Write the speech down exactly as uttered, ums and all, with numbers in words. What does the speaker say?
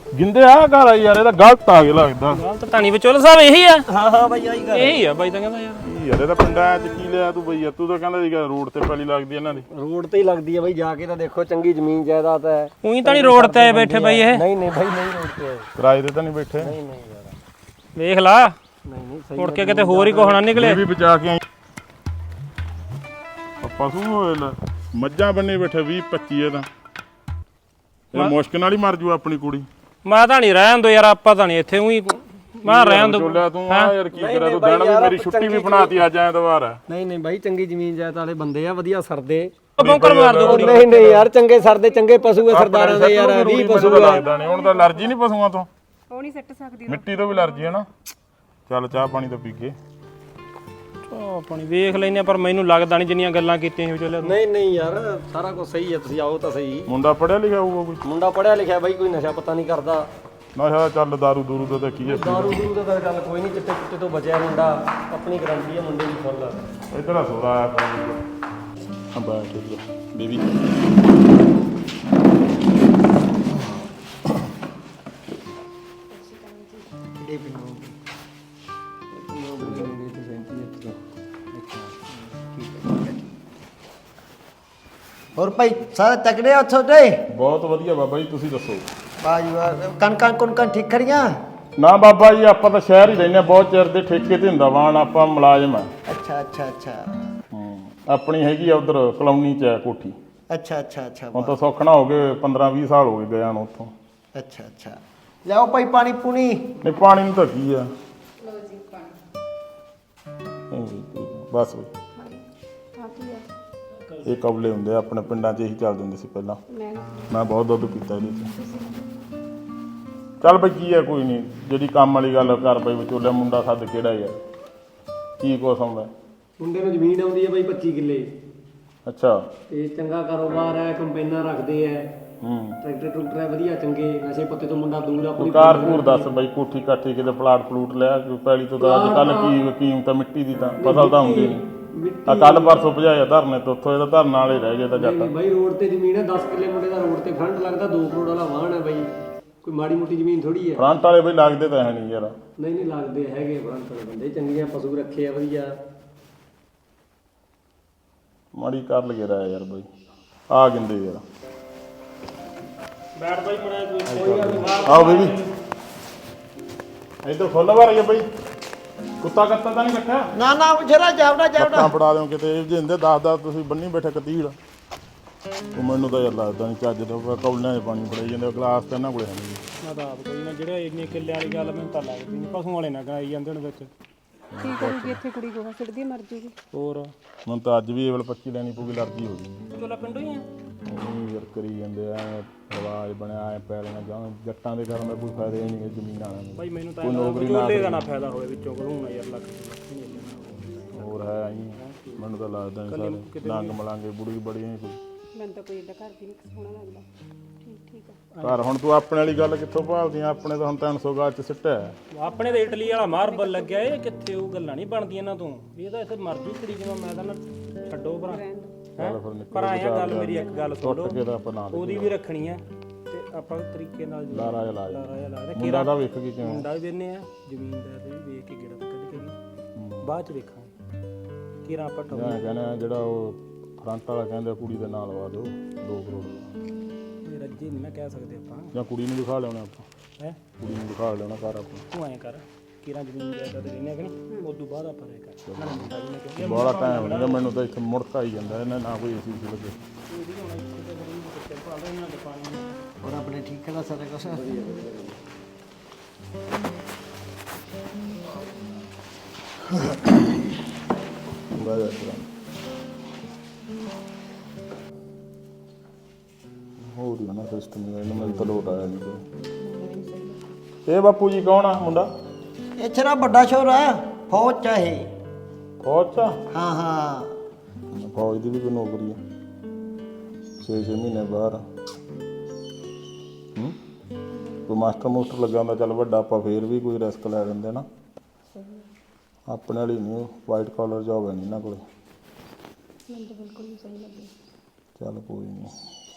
ਗਿੰਦੇ ਆ ਘਰ ਆ ਯਾਰ, ਇਹਦਾ ਗਲਤ ਆ ਗਿਆ ਲੱਗਦਾ। ਗਲਤ ਤਾਂ ਨਹੀਂ ਵਿਚੋਲ ਸਾਹਿਬ ਇਹੀ ਆ। ਹਾਂ ਹਾਂ ਬਾਈ ਆਹੀ ਗੱਲ ਇਹੀ ਆ ਬਾਈ ਤਾਂ ਕਹਿੰਦਾ ਯਾਰ। ਯਾਰ ਇਹਦਾ ਪਿੰਡਾਂ ਚ ਕੀ ਲਿਆ ਤੂੰ ਬਈ? ਤੂੰ ਤਾਂ ਕਹਿੰਦਾ ਸੀਗਾ ਰੋਡ ਤੇ ਪੈਲੀ ਲੱਗਦੀ ਇਹਨਾਂ ਦੀ। ਰੋਡ ਤੇ ਹੀ ਲੱਗਦੀ ਹੈ ਬਾਈ, ਜਾ ਕੇ ਤਾਂ ਦੇਖੋ ਚੰਗੀ ਜ਼ਮੀਨ ਜਾਇਦਾਦ ਹੈ। ਉਹੀ ਤਾਂ ਨਹੀਂ ਰੋਡ ਤੇ ਆਏ ਬੈਠੇ ਬਾਈ ਇਹ। ਨਹੀਂ ਨਹੀਂ ਬਾਈ ਨਹੀਂ ਰੋਡ ਤੇ ਆਏ। ਕਿਰਾਏ ਤੇ ਤਾਂ ਨਹੀਂ ਬੈਠੇ? ਨਹੀਂ ਨਹੀਂ ਯਾਰ ਵੇਖ ਲਾ ਨਹੀਂ ਨਹੀਂ ਸਹੀ ਮੁੜ ਕੇ ਕਿਤੇ ਹੋਰ ਹੀ ਕੋਹਣਾ ਨਿਕਲੇ। ਇਹ ਵੀ ਬਚਾ ਕੇ ਆਈ ਪਸ਼ੂ ਹੋਏ ਲੈ, ਮੱਝਾਂ ਬੰਨੇ ਬੈਠੇ ਵੀਹ ਪੱਚੀ ਇਹ ਤਾਂ। ਇਹ ਮੁਸ਼ਕਿਲ ਨਾਲ ਹੀ ਮਰ ਜੂ ਆਪਣੀ ਕੁੜੀ। ਮੈਂ ਤਾਂ ਨਹੀਂ ਰਹਿਣ ਦੋ ਯਾਰ, ਆਪਾਂ ਤਾਂ ਨਹੀਂ ਇੱਥੇ ਉਹੀ ਮੈਂ ਰਹਿਣ ਦੋ। ਚੋਲਿਆ ਤੂੰ ਆ ਯਾਰ ਕੀ ਕਰਿਆ ਤੂੰ? ਦਿਨ ਵੀ ਮੇਰੀ ਛੁੱਟੀ ਵੀ ਬਣਾਤੀ ਅੱਜ ਐਤਵਾਰ ਹੈ। ਨਹੀਂ ਨਹੀਂ ਬਾਈ ਚੰਗੀ ਜ਼ਮੀਨ ਜਾਇਦਾਦ ਵਾਲੇ ਬੰਦੇ ਆ, ਵਧੀਆ ਸਰਦੇ। ਬੌਂਕਰ ਮਾਰ ਦੋ ਕੁੜੀ। ਨਹੀਂ ਨਹੀਂ ਯਾਰ ਚੰਗੇ ਸਰਦੇ, ਚੰਗੇ ਪਸ਼ੂ ਆ ਸਰਦਾਰਾਂ ਦੇ ਯਾਰ। ਵੀਹ ਪਸ਼ੂ ਆ। ਲੱਗਦਾ ਨਹੀਂ ਹੁਣ ਤਾਂ ਅਲਰਜੀ ਨਹੀਂ ਪਸ਼ੂਆਂ ਤੋਂ, ਉਹ ਨਹੀਂ ਸੱਟ ਸਕਦੀ ਮਿੱਟੀ ਤੋਂ ਵੀ ਅਲਰਜੀ ਹੈ ਨਾ। ਚੱਲ ਚਾਹ ਪਾਣੀ ਤਾਂ ਪੀ ਕੇ ਚਾਹ ਪਾਣੀ ਵੇਖ ਲੈਨੇ, ਪਰ ਮੈਨੂੰ ਲੱਗਦਾ ਨਹੀਂ ਜਿੰਨੀਆਂ ਗੱਲਾਂ ਕੀਤੀਆਂ ਸੀ ਵਿਚੋਲੇ। ਨਹੀਂ ਨਹੀਂ ਯਾਰ ਸਾਰਾ ਕੁਝ ਸਹੀ ਹੈ, ਤੁਸੀਂ ਆਓ ਤਾਂ ਸਹੀ। ਮੁੰਡਾ ਪੜਿਆ ਲਿਖਿਆ ਹੋਊਗਾ ਕੋਈ? ਮੁੰਡਾ ਪੜਿਆ ਲਿਖਿਆ ਬਾਈ, ਕੋਈ ਨਸ਼ਾ ਪਤਾ ਨਹੀਂ ਕਰਦਾ। ਨਸ਼ਾ ਚੱਲ ਦਾਰੂ ਦੂਰੂ ਦਾ ਤਾਂ ਕੀ ਹੈ। ਦਾਰੂ ਦੂਰੂ ਦਾ ਤਾਂ ਗੱਲ ਕੋਈ ਨਹੀਂ, ਚਿੱਟੇ ਚਿੱਟੇ ਤੋਂ ਬਚਿਆ ਮੁੰਡਾ। ਆਪਣੀ ਗਰੰਟੀ ਹੈ ਮੁੰਡੇ ਦੀ ਫੁੱਲ। ਇਧਰ ਆ ਸੋਦਾ ਆਇਆ ਪਾਣੀ ਹਾਂ ਬਾਤ ਬੇਬੀ। ਹੋਰ ਭਾਈ ਸਾਰੇ ਤਕੜੇ ਆ ਉੱਥੋਂ ਦੇ? ਬਹੁਤ ਵਧੀਆ ਬਾਬਾ ਜੀ, ਤੁਸੀਂ ਦੱਸੋ। ਬਾਜੀ ਵਾਹ, ਕਣਕਾਂ ਕੁਣਕਾਂ ਠੀਕ ਖੜੀਆਂ? ਨਾ ਬਾਬਾ ਜੀ ਆਪਾਂ ਤਾਂ ਸ਼ਹਿਰ ਹੀ ਰਹਿੰਦੇ, ਬਹੁਤ ਚਿਰ ਦੇ ਠੇਕੇ ਤੇ ਹੁੰਦਾ ਵਾਣ, ਆਪਾਂ ਮੁਲਾਜ਼ਮ ਆ। ਅੱਛਾ ਅੱਛਾ ਅੱਛਾ ਹੂੰ ਆਪਣੀ ਹੈਗੀ ਆ ਉਧਰ ਕਲੋਨੀ ਚ ਹੈ ਕੋਠੀ। ਅੱਛਾ ਅੱਛਾ ਅੱਛਾ ਹੁਣ ਤਾਂ ਸੌਖਣਾ ਹੋ ਗਏ, ਪੰਦਰਾਂ ਵੀਹ ਸਾਲ ਹੋ ਗਏ ਗਿਆ ਨੂੰ ਉੱਥੋਂ। ਅੱਛਾ ਅੱਛਾ ਲਿਆਓ ਭਾਈ ਪਾਣੀ ਪੂਣੀ। ਨਹੀਂ ਪਾਣੀ ਨੂੰ ਤਾਂ ਕੀ ਆ, ਬਸ ਬਈ ਇਹ ਕਬਲੇ ਹੁੰਦੇ ਆ ਆਪਣੇ ਪਿੰਡਾਂ 'ਚ, ਇਹੀ ਚੱਲਦੇ ਹੁੰਦੇ ਸੀ ਪਹਿਲਾਂ। ਮੈਂ ਬਹੁਤ ਦੁੱਧ ਪੀਤਾ ਇਹਦੇ 'ਚ। ਚੱਲ ਬਈ ਕੀ ਆ, ਕੋਈ ਨਹੀਂ, ਜਿਹੜੀ ਕੰਮ ਵਾਲੀ ਗੱਲ ਕਰ ਬਈ। ਵਿਚੋਲੇ ਮੁੰਡਾ ਸੱਦ ਕਿਹੜਾ ਯਾਰ, ਕੀ ਕੁਛ ਆਉਂਦਾ? ਮੁੰਡੇ ਨੂੰ ਜ਼ਮੀਨ ਆਉਂਦੀ ਹੈ ਬਾਈ ਪੱਚੀ ਕਿੱਲੇ। ਅੱਛਾ ਤੇ ਚੰਗਾ ਕਾਰੋਬਾਰ ਹੈ, ਕੰਪਾਈਨਾਂ ਰੱਖਦੇ ਆ, ਹੂੰ ਟਰੈਕਟਰ ਟਰੂਕਟਰ ਹੈ ਵਧੀਆ ਚੰਗੇ। ਨਸ਼ੇ ਪੱਤੇ ਤੋਂ ਮੁੰਡਾ ਦੂਰ ਆ। ਆਪਣੀ ਕਾਰ ਕੂਰ ਦੱਸ ਬਈ, ਕੋਠੀ ਕਾਠੀ ਕਿਤੇ ਪਲਾਟ ਪਲੂਟ ਲਿਆ ਕੋਈ? ਪੈਲੀ ਤੋਂ ਤਾਂ ਅੱਜ ਕੱਲ੍ਹ ਕੀ ਕੀਮਤ ਆ ਮਿੱਟੀ ਦੀ, ਤਾਂ ਫਸਲ ਤਾਂ ਹੁੰਦੀ ਨਹੀਂ। ਆ ਕੱਲ ਪਰਸੋਂ ਭਜਾਇਆ ਧਰਨੇ ਤੋਂ, ਉੱਥੋਂ ਇਹਦਾ ਧਰਨ ਵਾਲੇ ਰਹਿ ਗਏ ਤਾਂ ਜੱਟ। ਬਾਈ ਰੋਡ ਤੇ ਜ਼ਮੀਨ ਹੈ, ਦਸ ਕਿੱਲੇ ਮੁੰਡੇ ਦਾ ਰੋਡ ਤੇ ਫਰੰਟ ਲੱਗਦਾ, ਦੋ ਕਰੋੜ ਵਾਲਾ ਵਾਹਣ ਹੈ ਬਾਈ। ਕੋਈ ਮਾੜੀ ਮੋਟੀ ਜ਼ਮੀਨ ਥੋੜੀ ਹੈ। ਫਰੰਟ ਵਾਲੇ ਬਈ ਲੱਗਦੇ ਤਾਂ ਹੈ ਨਹੀਂ ਯਾਰ। ਨਹੀਂ ਨਹੀਂ ਲੱਗਦੇ ਹੈਗੇ ਫਰੰਟ ਵਾਲੇ ਬੰਦੇ, ਚੰਗੀਆਂ ਪਸ਼ੂ ਰੱਖੇ ਆ ਵਧੀਆ। ਮਾੜੀ ਕਰ ਲਗੇ ਰਿਹਾ ਯਾਰ ਬਈ, ਆ ਗਿੰਦੇ ਯਾਰ। ਬੈਠ ਬਾਈ ਮੜਾ ਕੋਈ ਗੱਲ ਨਹੀਂ। ਆਓ ਬੇਬੀ ਇੱਧਰ ਫੁੱਲ ਭਰ ਗਏ ਬਈ। ਕੁੱਤਾ ਕੱਤਾ ਤਾਂ ਨਹੀਂ ਰੱਖਿਆ? ਨਾ ਨਾ ਜਰਾ ਜਾਵੜਾ ਜਾਵੜਾ ਕੱਟਾਂ ਫੜਾ ਦਿਓ ਕਿਤੇ, ਇਹ ਜਿੰਦੇ ਦਸ ਦਸ ਤੁਸੀਂ ਬੰਨੀ ਬੈਠੇ ਕਤੀੜ। ਉਹ ਮੈਨੂੰ ਤਾਂ ਯਾਰ ਲੱਗਦਾ ਨਹੀਂ ਚੱਜ ਦਾ, ਕੌਲਿਆਂ 'ਚ ਪਾਣੀ ਫੜਾਈ ਜਾਂਦੇ, ਗਲਾਸ ਤਾਂ ਇਹਨਾਂ ਕੋਲੇ ਹੈ ਨਹੀਂ। ਮੈਂ ਤਾਂ ਆਪ ਕੋਈ ਨਾ, ਜਿਹੜਾ ਇੰਨੇ ਕਿੱਲੇ ਵਾਲੀ ਗੱਲ ਮੈਨੂੰ ਤਾਂ ਲੱਗਦੀ ਨਹੀਂ। ਪਸ਼ੂ ਵਾਲੇ ਨਾ ਕਰਾਈ ਜਾਂਦੇ ਹੁਣ ਵਿੱਚ। ਕੀ ਕਰੂਗੀ ਇੱਥੇ ਕੁੜੀ ਗੋਹਾ ਸਿੱਟਦੀ ਮਰ ਜੂਗੀ। ਹੋਰ ਮੈਨੂੰ ਤਾਂ ਅੱਜ ਵੀ ਇਹ ਵੇਲੇ ਪੱਚੀ ਲੈਣੀ ਪਊਗੀ, ਅਲਰਜੀ ਹੋ ਗਈ। ਚੋਲਾ ਪਿੰਡੋਂ ਹੀ ਆ। ਉਹ ਯਾਰ ਕਰੀ ਜਾਂਦੇ ਐ, ਰਿਵਾਜ ਬਣਿਆ ਐ ਪੈਲੀਆਂ ਜਾਂ ਜੱਟਾਂ ਦੇ ਕਰਨ ਦਾ ਕੋਈ ਫਾਇਦਾ ਹੀ ਨਹੀਂ ਜ਼ਮੀਨ ਵਾਲਿਆਂ ਨੂੰ। ਬਾਈ ਮੈਨੂੰ ਤਾਂ ਚੋਲੇ ਦਾ ਨਾ ਫਾਇਦਾ ਹੋਵੇ ਵਿੱਚੋਂ ਘਲੂਣਾ ਯਾਰ ਲੱਖ। ਹੋਰ ਹੈ ਆਈ ਮੈਨੂੰ ਤਾਂ ਲੱਗਦਾ ਨਹੀਂ ਸਾਰੇ ਲੰਗ ਮਲਾਂਗੇ ਬੁੜੀ ਬੜੀ ਐ ਕੋਈ। ਮੈਨੂੰ ਤਾਂ ਕੋਈ ਏਦਾਂ ਘਰ ਵੀ ਨਹੀਂ ਸੋਹਣਾ ਲੱਗਦਾ। ਠੀਕ ਠੀਕ ਆ। ਘਰ ਹੁਣ ਤੂੰ ਆਪਣੇ ਵਾਲੀ ਗੱਲ ਕਿੱਥੋਂ ਭਾਲਦੀ ਆ? ਆਪਣੇ ਤਾਂ ਹੁਣ ਤਿੰਨ ਸੌ ਗਾਜ 'ਚ ਸਿੱਟਿਆ। ਆਪਣੇ ਤੇ ਇਟਲੀ ਵਾਲਾ ਮਾਰਬਲ ਲੱਗਿਆ, ਇਹ ਕਿੱਥੇ ਉਹ ਗੱਲਾਂ ਨਹੀਂ ਬਣਦੀਆਂ ਇਹਨਾਂ ਤੋਂ। ਇਹ ਤਾਂ ਇੱਥੇ ਮਰ ਜੂ ਕੁੜੀ ਜਿਵੇਂ। ਮੈਂ ਤਾਂ ਨਾ ਛੱਡੋ ਭਰਾ ਹੈਂ? ਪਰ ਆਇਆ ਗੱਲ ਮੇਰੀ ਇੱਕ ਗੱਲ ਸੁਣ ਲਓ, ਕੇ ਤਾਂ ਆਪਾਂ ਨਾਲ ਉਹਦੀ ਵੀ ਰੱਖਣੀ ਆ ਤੇ ਆਪਾਂ ਤਰੀਕੇ ਨਾਲ ਲਾਰਾ ਜਿਹਾ ਲਾ ਦੇ। ਲਾਰਾ ਜਿਹਾ ਲਾ ਦੇ। ਮੁੰਡਾ ਦਾ ਵੇਖ ਕੇ ਕਿਵੇਂ ਮੁੰਡਾ ਵੀ ਵੇਨੇ ਆ, ਜ਼ਮੀਨ ਦਾ ਤੇ ਵੀ ਵੇਖ ਕੇ ਗੇੜਾ ਤਾਂ ਕੱਢ ਕੇ ਬਾਅਦ ਚ ਵੇਖਾਂਗੇ ਕਿਹੜਾ ਆਪਾਂ ਠੋਕ। ਮੈਂ ਕਹਿੰਦਾ ਜਿਹੜਾ ਉਹ ਫਰੰਟ ਵਾਲਾ ਕਹਿੰਦਾ ਕੁੜੀ ਦੇ ਨਾਲ ਲਵਾ ਦਿਓ ਦੋ ਕਰੋੜ ਦਾ। ਰੱਜੀ ਨਹੀਂ ਨਾ ਕਹਿ ਸਕਦੇ ਆਪਾਂ, ਜਾਂ ਕੁੜੀ ਨੂੰ ਦਿਖਾ ਲਿਆਉਣਾ ਆਪਾਂ। ਹੈ ਕੁੜੀ ਨੂੰ ਦਿਖਾ ਲਿਆਉਣਾ ਘਰ ਆਪਾਂ। ਤੂੰ ਐਂ ਕਰ, ਕਿਹੜਾ ਜ਼ਮੀਨ ਜਾਇਦਾਦ ਤੇ ਰਹਿੰਦੇ ਕਿ ਨਹੀਂ, ਉਸ ਤੋਂ ਬਾਅਦ ਆਪਾਂ ਰਹਿ ਕਰ ਨਾਲੇ ਮੁੰਡਾ ਵੀ ਨਾ ਕਿਉਂਕਿ ਬੜਾ ਟਾਈਮ ਨਹੀਂ ਮੈਨੂੰ ਤਾਂ ਇੱਥੇ ਮੁੜਕਾ ਹੀ ਜਾਂਦਾ ਇਹਨਾਂ, ਨਾ ਕੋਈ ਏਸੀ ਸੀ ਲੱਗੇ। ਹੋਰ ਆਪਣੇ ਠੀਕ ਹੈ ਸਾਰਾ ਕੁਛ? ਬਾਏ ਹੋਰ ਨਾ ਸਿਸਟਮ ਇਹਨਾਂ ਮੈਨੂੰ ਤਾਂ ਲੋਟ ਆਇਆ ਨਹੀਂ ਕੋਈ। ਇਹ ਬਾਪੂ ਜੀ ਕੌਣ ਆ ਮੁੰਡਾ? ਇਹ ਤੇਰਾ ਵੱਡਾ ਸ਼ੋਰ ਹੈ, ਫੌਜ ਚ ਆ ਇਹ। ਫੌਜ 'ਚ ਆ? ਹਾਂ ਹਾਂ ਫੌਜ ਦੀ ਵੀ ਕੋਈ ਨੌਕਰੀ ਆ, ਛੇ ਛੇ ਮਹੀਨੇ ਬਾਹਰ। ਹੂੰ ਕੋਈ ਮਾਸਟਰ ਮੂਸਟਰ ਲੱਗਾ ਹੁੰਦਾ ਚੱਲ ਵੱਡਾ, ਆਪਾਂ ਫੇਰ ਵੀ ਕੋਈ ਰਿਸਕ ਲੈ ਲੈਂਦੇ ਨਾ। ਆਪਣੇ ਵਾਲੀ ਨਹੀਂ, ਵਾਈਟ ਕਾਲਰ ਜੋਬ ਹੈ ਨਹੀਂ ਇਹਨਾਂ ਕੋਲ। ਮੈਨੂੰ ਤਾਂ ਬਿਲਕੁਲ ਨਹੀਂ ਸਹੀ ਲੱਗੀ। ਚੱਲ ਕੋਈ ਨਹੀਂ।